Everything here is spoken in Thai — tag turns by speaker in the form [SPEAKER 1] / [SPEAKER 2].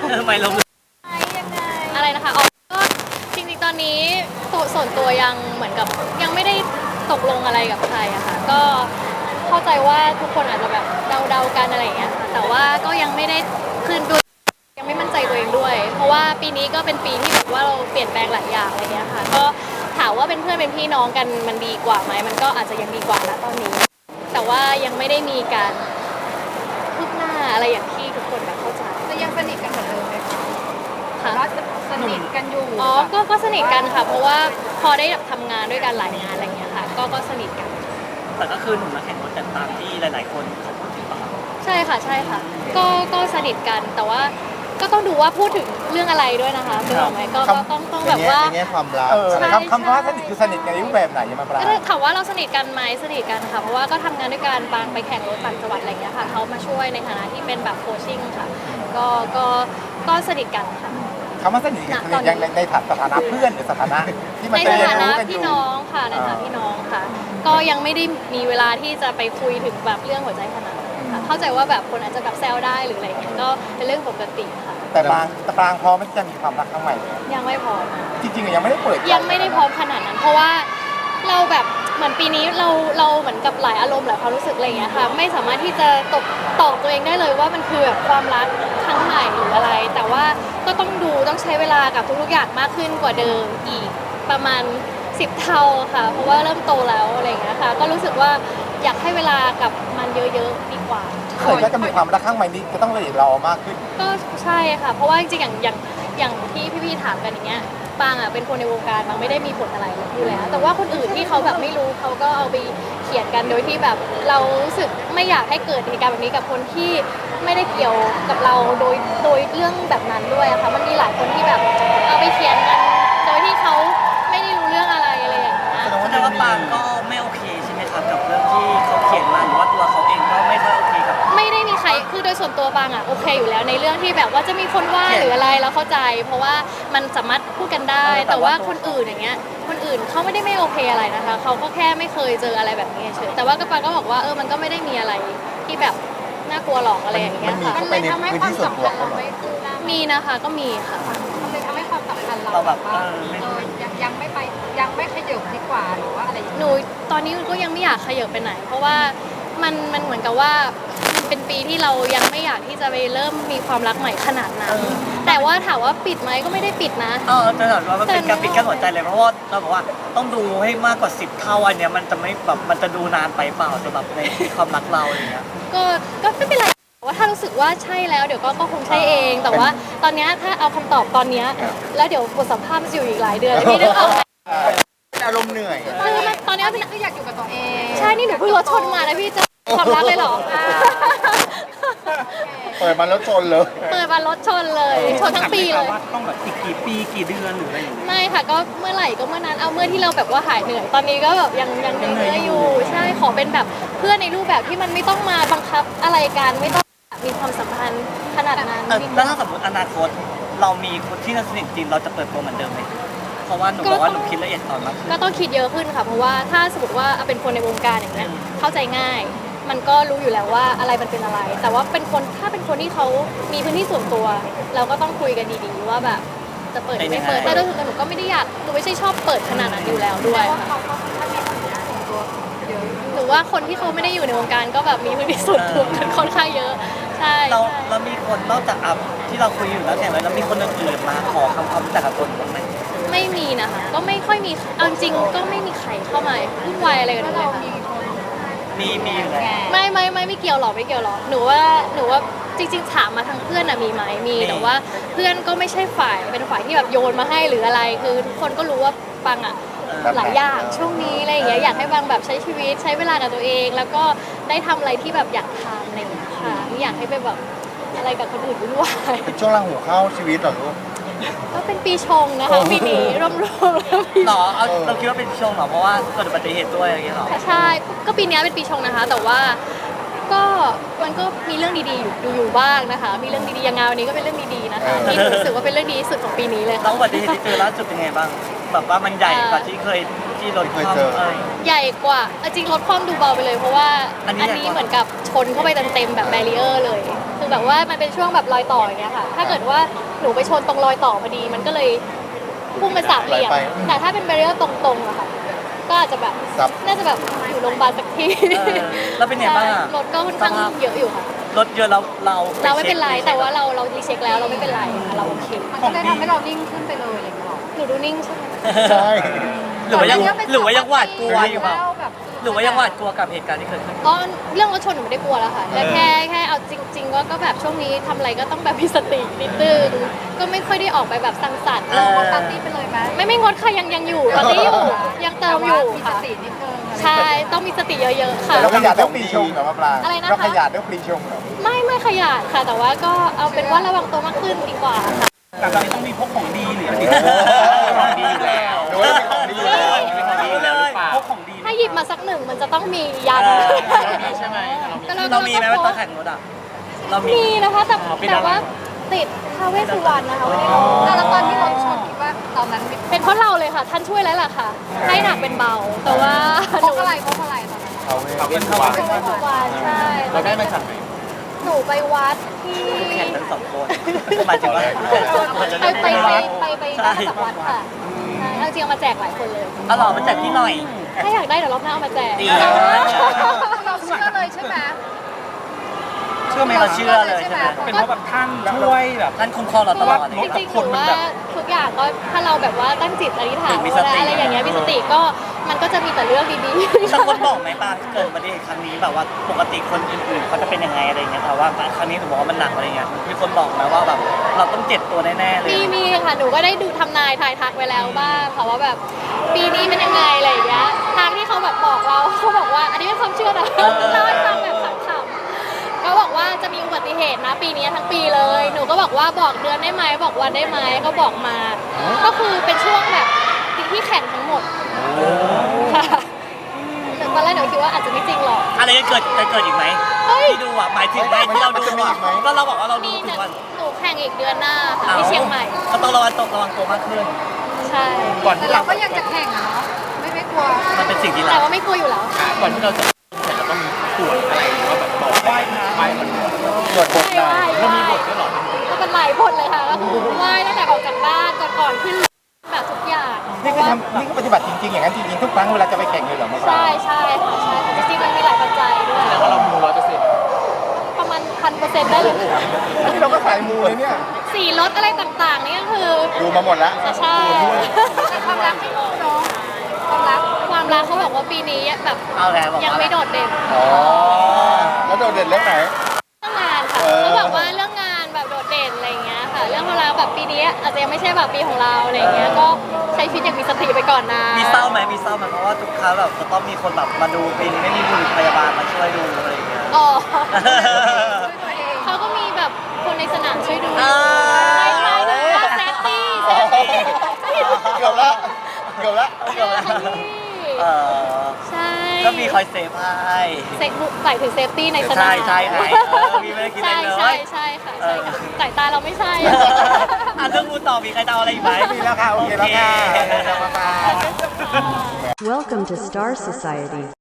[SPEAKER 1] ทำไมเรา
[SPEAKER 2] ยังไงอะไรนะคะอ๋อก็จริงๆตอนนี้ส่วนตัวยังเหมือนกับยังไม่ได้ตกลงอะไรกับใครอะค่ะก็เข้าใจว่าทุกคนอาจจะแบบเดาๆกันอะไรอย่างเงี้ยค่ะแต่ว่าก็ยังไม่ได้คืนด้วยยังไม่มั่นใจตัวเองด้วย เพราะว่าปีนี้ก็เป็นปีที่แบบว่าเราเปลี่ยนแปลงหลายอย่างอะไรเงี้ยค่ะก็ถามว่าเป็นเพื่อนเป็นพี่น้องกันมันดีกว่าไหมมันก็อาจจะยังดีกว่านะตอนนี้ แต่ว่ายังไม่ได้มีการคืบหน้าอะไรอย่างที่ทุกคนแบบเข้าใจ
[SPEAKER 3] จะยังสนิทกันเหมือนเดิมไหมคะ
[SPEAKER 2] ค่ะ
[SPEAKER 3] ว่าจะสนิทกันอยู่
[SPEAKER 2] อ๋อก็สนิทกันค่ะ เพราะว่าพอได้แบบทำงานด้วยกันหลายงานอะไรเงี้ยค่ะ ก็สนิทกัน
[SPEAKER 1] แต่ก็คือหนุ่มนักแข่งรถแต่ตามที่หลายๆคนเขาพูดถึงป่ะ
[SPEAKER 2] ใช่ค่ะ ใช่ค่ะ ก็สนิทกัน แต่ว่าก็ต้องดูว่าพูดถึงเรื่องอะไรด้วยนะคะถูกไหมก็ต้องแบบว่า
[SPEAKER 4] ในแง่ความรักคำว่าสนิทคือสนิทกันในรูปแบบไหนยังมาปรา
[SPEAKER 2] ถามว่าเราสนิทกันไหมสนิทกันค่ะ เพราะว่าก็ทำงานด้วยกันบางไปแข่งรถต่างจังหวัดอะไรเงี้ยค่ะเขามาช่วยในฐานะที่เป็นแบบโคชชิ่งค่ะ ก็สนิทกันค่ะ
[SPEAKER 4] คำว่าสนิทกันยังในสถานะเพื่อนหรือสถานะที่มัน
[SPEAKER 2] ใน
[SPEAKER 4] จะ
[SPEAKER 2] ฐา
[SPEAKER 4] เรียน
[SPEAKER 2] นะ
[SPEAKER 4] รู้กันอ
[SPEAKER 2] พี่
[SPEAKER 4] ยู่
[SPEAKER 2] น้องค่ะในฐานะพี่น้องค่ะ ก็ยังไม่ได้มีเวลาที่จะไปคุยถึงแบบเรื่องหัวใจขนาดนั้นค่ะเข้าใจว่าแบบคนอาจจะแบบแซวได้หรืออะไรเงี้ยก็เป็นเรื่องปกติค่ะ
[SPEAKER 4] แต่ปรางพอมันจะมีความรักครั้งใหม่เลย
[SPEAKER 2] ยังไม่พร้อม
[SPEAKER 4] จริงๆยังไม่ได้เปิด
[SPEAKER 2] ยังไม่ได้พร้อมขนาดนั้น เพราะว่าเราแบบเหมือนปีนี้เราเหมือนกับหลายอารมณ์หลายความรู้สึกอะไรเงี้ยค่ะไม่สามารถที่จะตอบตัวเองได้เลยว่ามันคือแบบความรักครั้งใหม่หรืออะไร แต่ว่าก็ต้องใช้เวลากับทุกๆอย่างมากขึ้นกว่าเดิมอีกประมาณ10 เท่าค่ะ เพราะว่าเริ่มโตแล้วอะไรเงี้ยค่ะก็รู้สึกว่าอยากให้เวลากับมันเยอะๆดีกว่า
[SPEAKER 4] เกิดก็จะมีความรักครั้งใหม่นี้จะต้องละเอียดรอมากขึ้น
[SPEAKER 2] ก็ใช่ค่ะเพราะว่าจริงๆอย่างที่พี่ๆถามกันอย่างเงี้ยปางอ่ะเป็นคนในวงการบางไม่ได้มีผลอะไรอยู่แล้วแต่ว่าคนอื่นที่เขาแบบไม่รู้เขาก็เอาไปเขียนกันโดยที่แบบเรารู้สึกไม่อยากให้เกิดเหตุการณ์แบบนี้กับคนที่ไม่ได้เกี่ยวกับเราโดยเรื่องแบบนั้นด้วยอะค่ะมันมีหลายคนที่แบบเอาไปเขียนกันโดยที่เขาไม่ได้รู้เรื่องอะไรอย่างเงี้ย
[SPEAKER 1] แสดงว่าปางก็ไม่โอเคใช่ไหมครับกับเรื่องที่เขาเขียนมาหรือว่าตัวเขาเองก็ไม่ค่อยโอเคกับ
[SPEAKER 2] ไม่ได้มีใครคือโดยส่วนตัวบางอ่ะโอเคอยู่แล้วในเรื่องที่แบบว่าจะมีคนว่าหรืออะไรเราเข้าใจ เพราะว่ามันสามารถพูดกันได้ แต่ว่าคนอื่นอย่างเงี้ยคนอื่นเขาไม่โอเคอะไรนะคะเขาก็แค่ไม่เคยเจออะไรแบบนี้เฉยแต่ว่าก็ปางก็บอกว่ามันก็ไม่ได้มีอะไรที่แบบน่ากลัวหรอกอะไรอย่างเงี้ยค่ะ
[SPEAKER 4] มันเลยทำให้ความสัมพันธ์เราไม่คืบหน้า
[SPEAKER 2] มีนะคะก็มีค่ะ
[SPEAKER 3] มันเลยทำให้ความสัมพันธ์เราแบบว่ายังไม่ไปยังไม่ขยับดีกว่าหรือว่าอะไร
[SPEAKER 2] หนูตอนนี้ก็ยังไม่อยากขยับไปไหน เพราะว่ามันเหมือนกับว่าเป็นปีที่เรายังไม่อยากที่จะไปเริ่มมีความรักใหม่ขนาดนั้นแต่ว่าถามว่าปิดไหมก็ไม่ได้ปิดนะ
[SPEAKER 1] แต่ถามว่ามันเป็นการปิดกั้นหัวใจเลยเพราะว่าเราบอกว่าต้องดูให้มากกว่า10 เท่าอันเนี้ยมันจะไม่แบบมันจะดูนานไปเปล่าสำหรับในความรักเราอย่างเงี้ย
[SPEAKER 2] ก็ไม่เป็นไรว่าถ้ารู้สึกว่าใช่แล้วเดี๋ยวก็คงใช่เองแต่ว่าตอนนี้ถ้าเอาคำตอบตอนนี้แล้วเดี๋ยวบทสัมภาษณ์มันจะอยู่อีกหลายเดือนพี่นึกออก
[SPEAKER 4] อารมณ์เหนื่อย
[SPEAKER 2] คือตอนนี้
[SPEAKER 3] คืออยากอยู่กับตัวเอง
[SPEAKER 2] ใช่นี่หนูเพิ่งรถชนมานะพี่จะความรักเลยเหรอ
[SPEAKER 4] เปิดมารถชนเลย
[SPEAKER 2] เปิดมารถชนเลยชนทั้งปีเลย
[SPEAKER 1] ว่าต้องแบบอีกกี่ปีกี่เดือนหรืออะไรอย่างเงี้ย
[SPEAKER 2] ไม่ค่ะก็เมื่อไหร่ก็เมื่อนั้นเอาเมื่อที่เราแบบว่าหายเหนื่อยตอนนี้ก็แบบยังเหนื่อยอยู่ใช่ขอเป็นแบบเพื่อนในรูปแบบที่มันไม่ต้องมาบังคับอะไรกันไม่ต้องมีความสัมพันธ์ขนาดนั้น
[SPEAKER 1] แล้วถ้าสมมติอนาคตเรามีคนที่สนิทจริงเราจะเปิดตัวเหมือนเดิมไหมเพราะว่าหนูบอกว่าหนูคิดละเอียดตอนมาก
[SPEAKER 2] ก็ต้องคิดเยอะขึ้นค่ะเพราะว่าถ้าสมมติว่าเป็นคนในวงการอย่างเงี้ยเข้าใจง่ายมันก็รู้อยู่แล้วว่าอะไรมันเป็นอะไร แต่ว่าถ้าเป็นคนที่เขามีพื้นที่ส่วนตัว เราก็ต้องคุยกันดีๆว่าแบบจะเปิดหรือไม่เปิดแต่โดยส่วนตัวหนูก็ไม่ได้อยากหนูไม่ใช่ชอบเปิดขนาดนั้นอยู่แล้วด้วยหรือว่าคนที่เขาไม่ได้อยู่ในวงการก็แบบมีพื้นที่ส่วนตัวกันค่อนข้างเยอะใช่
[SPEAKER 1] เรามีคนนอกจากอัพที่เราคุยอยู่แล้วแต่แล้วมีคนอื่นๆมาขอความรู้จักกับคนบ้างไหม
[SPEAKER 2] ไม่มีนะคะก็ไม่ค่อยมีเอาจริงก็ไม่มีใครเข้ามาวุ่นวายอะไรกันเลยค่ะ
[SPEAKER 1] มีอยู่แล้ว
[SPEAKER 2] ไม่เกี่ยวหรอกหนูว่าจริงๆถามมาทางเพื่อนอะมีไหมมีแต่ว่าเพื่อนก็ไม่ใช่ฝ่ายเป็นฝ่ายที่แบบโยนมาให้หรืออะไรคือทุกคนก็รู้ว่าปังอะหลายอย่างช่วงนี้อะไรอย่างเงี้ยอยากให้บางแบบใช้ชีวิตใช้เวลากับตัวเอง แล้วก็ได้ทำอะไรที่แบบอยากทำอะไรอย่างเงี้ยค่ะไม่อยากให้ไปแบบอะไรกับคนอื่นวุ่นวาย
[SPEAKER 4] เป็นช่วงราหูเข้าชีวิตเหรอลูก
[SPEAKER 2] ก็เป็นปีชงนะคะปีนี้ร่วม
[SPEAKER 1] หรอเราคิดว่าเป็นชงเหรอเพราะว่าเกิดอุบัติเหตุด้วยอย่างเงี้ยหรอ
[SPEAKER 2] ใช่ก็ปีนี้เป็นปีชงนะคะแต่ว่าก็มันก็มีเรื่องดีๆอยู่บ้างนะคะมีเรื่องดีๆอย่างงานวันนี้ก็เป็นเรื่องดีๆนะคะที่รู้สึกว่าเป็นเรื่องดีที่สุดของปีนี้เลย
[SPEAKER 1] แล้วอุบัติเหตุที่เจอล่าสุดเป็นไงบ้างแบบว่ามันใหญ่กว่าที่เคยที่รถเคยเจอ
[SPEAKER 2] ใหญ่กว่าจริงรถคว่ำดูเบาไปเลยเพราะว่าอันนี้เหมือนกับชนเข้าไปเต็มๆแบบแบรีเออร์เลยคือแบบว่ามันเป็นช่วงแบบรอยต่ออย่างเงี้ยค่ะ ถ้าเกิดว่าหนูไปชนตรงรอยต่อพอดีมันก็เลยพุ่งเป็นสามเหลี่ยม แต่ถ้าเป็นแบเรียร์ตรงๆอะค่ะ ก็อาจจะแบบน่าจะแบบอยู่โรงพยาบาลสักที
[SPEAKER 1] แล้วเป็นไงบ้างอะ
[SPEAKER 2] รถก็ค่อนข้างเยอะอยู่ค่ะ
[SPEAKER 1] รถเยอะเรา
[SPEAKER 2] เราไม่เป็นไรแต่ว่าเรารีเช็คแล้วเราไม่เป็นไรค่ะเราโอเค
[SPEAKER 3] มันก็เลยทำให้เรานิ่งขึ้นไปเลยอะไรอย่างเงี้ยหรอ
[SPEAKER 2] หนูดูนิ่งใช่ไหม
[SPEAKER 4] ใช่
[SPEAKER 1] หรือว่ายังหวาดกลัวอยู่เปล่า
[SPEAKER 3] แบบ
[SPEAKER 1] หรือว่ายังหวาดกลัวกับเหตุการณ์ที่เกิดขึ้น
[SPEAKER 2] อ๋อเรื่องรถชนหนูไม่ได้กลัวแล้วค่ะแต่แค่เอาจริงๆว่าก็แบบช่วงนี้ทำอะไรก็ต้องแบบมีสตินิดนึงก็ไม่ค่อยได้ออกไปแบบสังสรรค์
[SPEAKER 1] เออ
[SPEAKER 3] งดปาร์ตี้ไปเลยไหม
[SPEAKER 2] ไม่งดค่ะยังอยู่ตอนนี้อยู่ยังเติมอยู่
[SPEAKER 3] มีส
[SPEAKER 2] ค่ะ
[SPEAKER 3] ตินิดนึง
[SPEAKER 2] ใช่ต้องมีสติเยอะๆค่ะ
[SPEAKER 4] แต่เราขยันเรื่องปรีชงเหรอมะปราง
[SPEAKER 2] อะไรนะคะ
[SPEAKER 4] เราขยันเรื่องปรีชงเหรอ
[SPEAKER 2] ไม่ขยาดค่ะ แต่ว่าก็เอาเป็นว่าระวังตัวมากขึ้นดีกว่าค่ะ
[SPEAKER 5] แต่ตอนนี้ต้องมีพกของดีหรืออะไร
[SPEAKER 4] ของดีอยู่แล้วหรือว่าเป็นของดีอยู่แล้ว
[SPEAKER 1] เป็นของดีอยู่แล้วหรือเปล่า
[SPEAKER 5] พกของดี
[SPEAKER 2] ถ้าหยิบมาสักหนึ่งมันจะต้องมียัน
[SPEAKER 5] เรามีใช่ไหม
[SPEAKER 2] ก็
[SPEAKER 1] เรามีไหมว่าตอนแข่งรถอ่ะเรามี
[SPEAKER 2] มีนะคะแต่
[SPEAKER 5] เป็นอะไร
[SPEAKER 2] แต่ว่าติดท้าวเวสสุวรรณนะคะไม่ได้ลง
[SPEAKER 3] แล้วตอนที่รถชนคิดว่าตอนนั้น
[SPEAKER 2] เป็นเพราะเราเลยค่ะ ท่านช่วยแล้วล่ะค่ะ ให้หนักเป็นเบา แต่ว่า
[SPEAKER 3] พกอะไรตอนนั้น
[SPEAKER 4] เอาเว้ย
[SPEAKER 2] ท้าวเวสสุวรรณใช่
[SPEAKER 5] เราได้มาจากไหน
[SPEAKER 2] หนูไปวัดที่
[SPEAKER 1] แข่งทั้งสองคนหมายถึงว่า
[SPEAKER 2] ไปได้มาจากวัดค่ะใช่จริงๆเอามาแจกหลายคนเลย
[SPEAKER 1] เอาหล่อมาจากที่หน่อย
[SPEAKER 2] ถ้าอยากได้เดี๋ยวรอบหน้าเอามาแจก
[SPEAKER 1] ดี
[SPEAKER 3] เราเชื่อเลยใช่ไหม
[SPEAKER 1] เชื่อไหมเราเชื่อเลยใช่ไหม
[SPEAKER 5] เป็นเพราะแบบท่านช่วยแบบ
[SPEAKER 1] ท่านคุ้มครองเราตลอด
[SPEAKER 2] จริงๆหนูว่าทุกอย่างก็ถ้าเราแบบว่าตั้งจิตอธิษฐาน
[SPEAKER 1] มีสติ
[SPEAKER 2] อะไรอย่างเงี้ยมีสติก็มันก็จะมีแต่เรื่องดีๆ
[SPEAKER 1] บางคนบอกไหมป้าเกิดอุบัติเหตุครั้งนี้แบบว่าปกติคนอื่นๆเขาจะเป็นยังไงอะไรเงี้ยแต่ว่าครั้งนี้หนูบอกว่ามันหนักอะไรเงี้ยมีคนบอกไหมว่าแบบเราต้องเจ็บตัวแน่ๆเลย
[SPEAKER 2] มีค่ะหนูก็ได้ดูทำนายทายทักไว้แล้วบ้างค่ะว่าแบบปีนี้เป็นยังไงอะไรอย่างเงี้ยทางที่เขาแบบบอกเราเขาบอกว่าอันนี้เป็นความเชื่อนะเล่าให้ฟังแบบขำๆเขาบอกว่าจะมีอุบัติเหตุนะปีนี้ทั้งปีเลยหนูก็บอกว่าบอกเดือนได้ไหมบอกวันได้ไหมก็บอกมา ก็คือเป็นช่วงแบบที่แข่งทั้งหมดค่ะแต่ตอนแรกหนูคิดว่าอาจจะไม่จริงหรอก
[SPEAKER 1] อะไรจะเกิดอีกไหม
[SPEAKER 2] เฮ้ย
[SPEAKER 1] ที่ดูอ่ะหมายถึงไงที่เราดูอ่ะก็เราบอกว่าเราดู
[SPEAKER 2] มี
[SPEAKER 1] ทุ
[SPEAKER 2] แต่
[SPEAKER 1] กวัน
[SPEAKER 2] หนูแข่งอีกเดือนหน้าค่ะที่เชียงใหม่
[SPEAKER 1] ก็ต้องระวังตัวมากขึ้น
[SPEAKER 2] ใช่
[SPEAKER 5] ก่อน
[SPEAKER 3] แต่
[SPEAKER 5] ที่
[SPEAKER 3] เรา
[SPEAKER 5] เรา
[SPEAKER 3] ก็ยังจะแข่งอะเนาะไม่กลัว
[SPEAKER 1] มันเป็นสิ่งที่
[SPEAKER 2] แต่
[SPEAKER 1] เรา
[SPEAKER 2] ว่าไม่กลัวอยู่แล้ว
[SPEAKER 5] ก่อนที่เราจะเสร็จเราต้องมีตรวจอะไรหรือว่าแบบบอกไหว้พระไหว้มัน
[SPEAKER 4] ตรวจบทหน่อย
[SPEAKER 5] เรามีบทด้วยเหรอ
[SPEAKER 2] ก็เป็นหลายบทเลยค่ะก็คือไหว้ตั้งแต่ออกจากบ้านก่อนขึ้นแบบทุกอย่าง
[SPEAKER 4] นี่ก็นี่ก็ปฏิบัติจริงๆอย่างนั้นจริงๆทุกครั้งเวลาจะไปแข่งเลยเหรอมะปราง
[SPEAKER 2] ใช่ค่ะใช่จริงๆมันมีหลายปัจจัยด้วย
[SPEAKER 5] แต่ว่าเรามู100%
[SPEAKER 2] ประมาณ1,000%ได้เลย
[SPEAKER 4] นี่เราก็สายมูเลยเนี่ย
[SPEAKER 2] สีรถอะไรต่างๆนี่ก็คือ
[SPEAKER 4] ดูมาหมดแล้ว
[SPEAKER 2] ใช่
[SPEAKER 3] แต่ความรักไม่รู้เนาะความรัก
[SPEAKER 2] ความรักเขาบอกว่าปีนี้แบบ
[SPEAKER 1] เอาแล้วบอก
[SPEAKER 2] ยัง
[SPEAKER 1] ว่า
[SPEAKER 2] ไม่โดดเด่น
[SPEAKER 4] อ๋อ แล้วโดดเด่นเรื่องไหน
[SPEAKER 2] เรื่องงานค่ะเขาบอกว่าเรื่องงานแบบโดดเด่นอะไรอย่างเงี้ยค่ะ เรื่องความรักแบบปีนี้อาจจะยังไม่ใช่แบบปีของเราอะไรอย่างเงี้ยก็ใช้ชีวิตอย่างมีสติไปก่อนนะ
[SPEAKER 1] มีเศร้าไหมเพราะว่าทุกครั้งแบบจะต้องมีคนแบบมาดูปีนี้ไม่มีบุรุษพยาบาลมาช่วยดูอะไรอย่างเงี้ย
[SPEAKER 2] อ๋อ
[SPEAKER 3] ตัวเอง
[SPEAKER 2] เขาก็มีแบบคนในสนามช่วยดู
[SPEAKER 1] อ่า
[SPEAKER 2] ไม่ใช่นะเซฟตี้
[SPEAKER 4] เกือบละเกือบละ
[SPEAKER 1] เออ
[SPEAKER 2] ใช่
[SPEAKER 1] ก็มีคอยเซฟให้
[SPEAKER 2] เซฟใส่ถึงเซฟตี้ในสนาม
[SPEAKER 1] ใช่ไงมีไม่ได้คิดอะไรเลย
[SPEAKER 2] ใช่ค่ะใช่ค่ะสายตาเราไม่ใช่
[SPEAKER 1] อ่ะเรื่องมูต่อมีใครจะเอาอะไรอีกไหม
[SPEAKER 4] มีแล้วค่ะ โอเคแล้วค่ะ
[SPEAKER 1] โอเค
[SPEAKER 4] มะปราง
[SPEAKER 6] Welcome to Star Society.